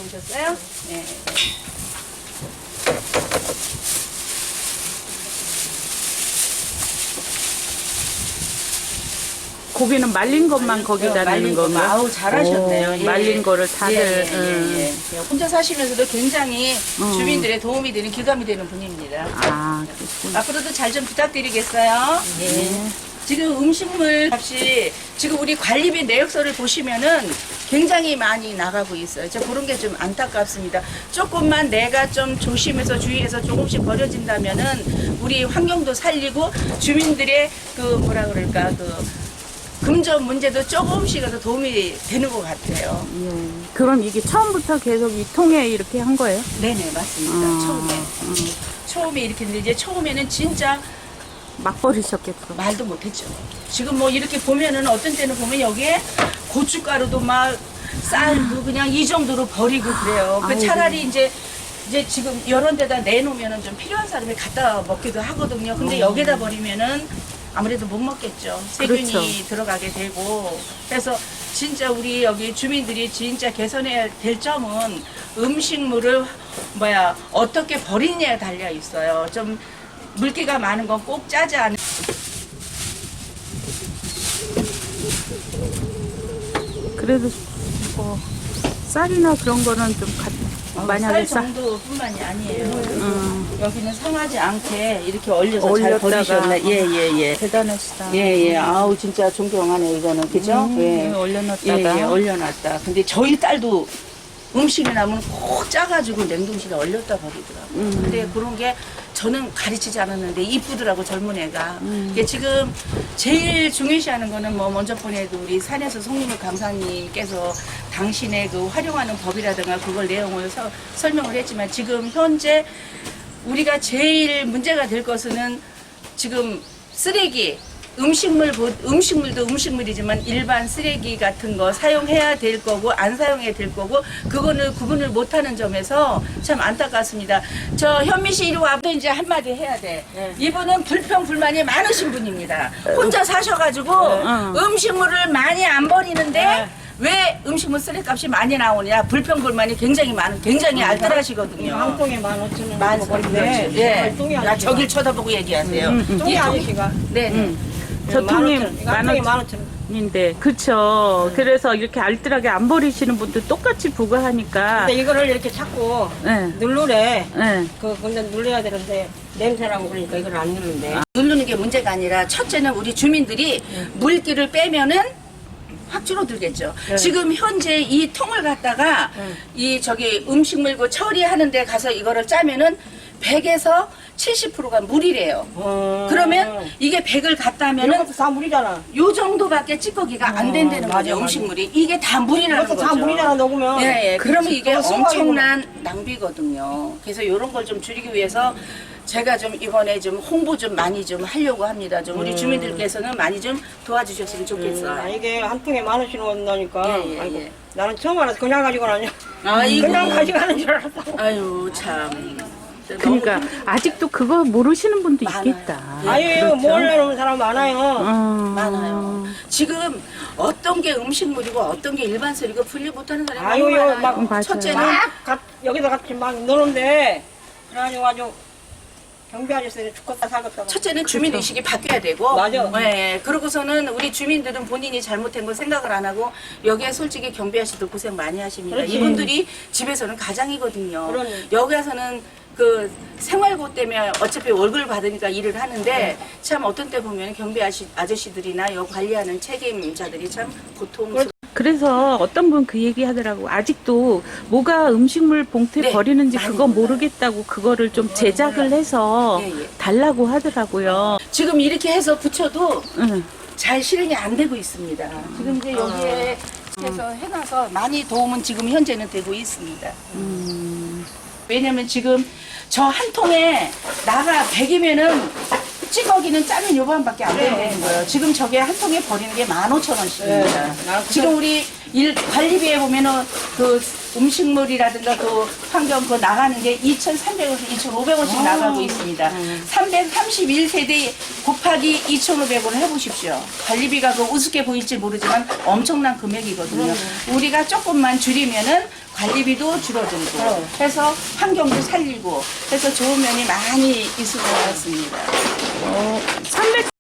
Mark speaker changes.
Speaker 1: 오셨어요? 네.
Speaker 2: 고기는 말린 것만 거기다 넣는 건가요?
Speaker 1: 아우 잘하셨네요.
Speaker 2: 오,
Speaker 1: 예.
Speaker 2: 말린 거를 다들
Speaker 1: 예. 혼자 사시면서도 굉장히 주민들의 도움이 되는 기감이 되는 분입니다.
Speaker 2: 아, 그렇구나.
Speaker 1: 앞으로도 잘 좀 부탁드리겠어요. 예. 지금 음식물 값이 지금 우리 관리비 내역서를 보시면은 굉장히 많이 나가고 있어요. 저 그런 게 좀 안타깝습니다. 조금만 내가 좀 조심해서 주의해서 조금씩 버려진다면은 우리 환경도 살리고 주민들의 그 뭐라 그럴까 그 금전 문제도 조금씩이라도 도움이 되는 것 같아요.
Speaker 2: 그럼 이게 처음부터 계속 이 통에 이렇게 한 거예요?
Speaker 1: 네네 맞습니다. 처음에 이렇게 했는데 이제 처음에는 진짜
Speaker 2: 막 버리셨겠어.
Speaker 1: 말도 못했죠. 지금 뭐 이렇게 보면은 어떤 때는 보면 여기에 고춧가루도 막 쌀도 그냥 이 정도로 버리고 그래요. 그 차라리 이제 지금 이런 데다 내놓으면은 좀 필요한 사람이 갖다 먹기도 하거든요. 근데 여기다 버리면은 아무래도 못 먹겠죠. 세균이
Speaker 2: 그렇죠.
Speaker 1: 들어가게 되고. 그래서 진짜 우리 여기 주민들이 진짜 개선해야 될 점은 음식물을 어떻게 버리느냐에 달려 있어요. 좀 물기가 많은 건 꼭 짜지 않은.
Speaker 2: 그래도 뭐 쌀이나 그런 거는 좀 만약에
Speaker 1: 쌀 정도뿐만이 아니에요. 여기는 상하지 않게 이렇게 얼려서 잘 버리셨네. 예.
Speaker 2: 대단하시다.
Speaker 1: 예. 아우 진짜 존경하네 이거는 그죠? 예.
Speaker 2: 올려놨다가.
Speaker 1: 예, 얼려놨다. 근데 저희 딸도 음식이 남으면 꼭 짜가지고 냉동실에 얼렸다 버리더라고요. 근데 그런 게 저는 가르치지 않았는데 이쁘더라고 젊은 애가. 이게 지금 제일 중요시하는 거는 뭐 먼저 보내도 우리 산에서 송림을 강사님께서 당신의 그 활용하는 법이라든가 그걸 내용을 설명을 했지만 지금 현재 우리가 제일 문제가 될 것은 지금 쓰레기 음식물도 음식물이지만 일반 쓰레기 같은 거 사용해야 될 거고 안 사용해야 될 거고 그거는 구분을 못하는 점에서 참 안타깝습니다. 저 현미 씨 이리 와도 이제 한마디 해야 돼. 이분은 불평불만이 많으신 분입니다. 혼자 사셔가지고 음식물을 많이 안 버리는데 왜 음식물 쓰레기값이 많이 나오냐 불평불만이 굉장히 알뜰하시거든요.
Speaker 3: 한 통에 15,000원
Speaker 1: 만
Speaker 3: 주고 버리는데
Speaker 1: 예.
Speaker 3: 똥이
Speaker 1: 야,
Speaker 3: 아저씨가
Speaker 1: 저길 쳐다보고 얘기하세요.
Speaker 3: 똥이 아저씨가
Speaker 1: 네.
Speaker 2: 저 통에
Speaker 3: 15,000원
Speaker 2: 인데 그쵸. 그래서 이렇게 알뜰하게 안 버리시는 분들 똑같이 부과하니까.
Speaker 3: 근데 이거를 이렇게 자꾸
Speaker 2: 네.
Speaker 3: 누르래.
Speaker 2: 네.
Speaker 3: 근데 눌러야 되는데 냄새나고 그러니까 이걸 안 누르는데.
Speaker 1: 누르는 게 문제가 아니라 첫째는 우리 주민들이 물기를 빼면은 확 줄어들겠죠. 지금 현재 이 통을 갖다가 이 저기 음식물 그 처리하는 데 가서 이거를 짜면은 100에서 70%가 물이래요. 그러면 이게 100을 갖다
Speaker 3: 이런
Speaker 1: 하면은
Speaker 3: 것도 다 물이잖아.
Speaker 1: 요 정도밖에 찌꺼기가 안 된다는
Speaker 3: 맞아,
Speaker 1: 거죠.
Speaker 3: 맞아.
Speaker 1: 음식물이. 이게 다 물이라는
Speaker 3: 이것도
Speaker 1: 거죠.
Speaker 3: 다 물이잖아 녹으면.
Speaker 1: 예. 그러면 이게
Speaker 3: 그거 수박이구나.
Speaker 1: 엄청난 낭비거든요. 그래서 이런 걸 좀 줄이기 위해서 제가 좀 이번에 좀 홍보 좀 많이 좀 하려고 합니다. 좀 우리 주민들께서는 많이 좀 도와주셨으면 좋겠어요.
Speaker 3: 이게 한 통에 10,000원씩 온다니까.
Speaker 1: 예.
Speaker 3: 아이고, 나는 처음 알았어. 그냥 가지고 가냐.
Speaker 1: 아이고.
Speaker 3: 그냥 가져가는 줄 알았어.
Speaker 1: 아유 참.
Speaker 2: 그러니까 아직도 그거 모르시는 분도
Speaker 1: 많아요.
Speaker 2: 있겠다.
Speaker 3: 아유,
Speaker 2: 그렇죠?
Speaker 3: 몰라놓은 사람 많아요.
Speaker 1: 많아요. 지금 어떤 게 음식물이고 어떤 게 일반 쓰레기고 분리 못하는 사람이
Speaker 3: 아유,
Speaker 1: 너무 많아요.
Speaker 3: 막
Speaker 2: 맞아요.
Speaker 1: 첫째는
Speaker 3: 여기서 같이 막 노는데 그래가지고 아주 경비 아저씨들이 죽겠다 살겠다.
Speaker 1: 첫째는 주민 의식이 바뀌어야 되고,
Speaker 3: 맞아.
Speaker 1: 네, 그러고서는 우리 주민들은 본인이 잘못한 걸 생각을 안 하고 여기에 솔직히 경비 아저씨도 고생 많이 하십니다.
Speaker 3: 그렇지.
Speaker 1: 이분들이 집에서는 가장이거든요.
Speaker 3: 그러네.
Speaker 1: 여기 와서는 그 생활고 때문에 어차피 월급을 받으니까 일을 하는데 참 어떤 때 보면 경비 아저씨들이나 여 관리하는 책임자들이 참 고통스러워.
Speaker 2: 그래서 어떤 분 그 얘기 하더라고. 아직도 뭐가 음식물 봉투에
Speaker 1: 네,
Speaker 2: 버리는지
Speaker 1: 많이
Speaker 2: 그거
Speaker 1: 몰라요.
Speaker 2: 모르겠다고 그거를 좀 제작을 해서
Speaker 1: 예.
Speaker 2: 달라고 하더라고요.
Speaker 1: 지금 이렇게 해서 붙여도
Speaker 2: 응.
Speaker 1: 잘 실행이 안 되고 있습니다. 지금 이제 여기에 해서 해놔서 많이 도움은 지금 현재는 되고 있습니다. 왜냐면 지금 저 한 통에 나가 100이면은 찌꺼기는 짜면 요반밖에 안 된다는 거예요. 지금 저게 한 통에 버리는 게 15,000원씩입니다. 지금 우리 관리비에 보면은 그 음식물이라든가 그 환경 그 나가는 게 2,300원에서 2,500원씩 나가고 있습니다. 331세대 곱하기 2,500원을 해보십시오. 관리비가 그 우습게 보일지 모르지만 엄청난 금액이거든요. 우리가 조금만 줄이면은 관리비도 줄어들고 해서 환경도 살리고 해서 좋은 면이 많이 있을 것 같습니다.
Speaker 2: 300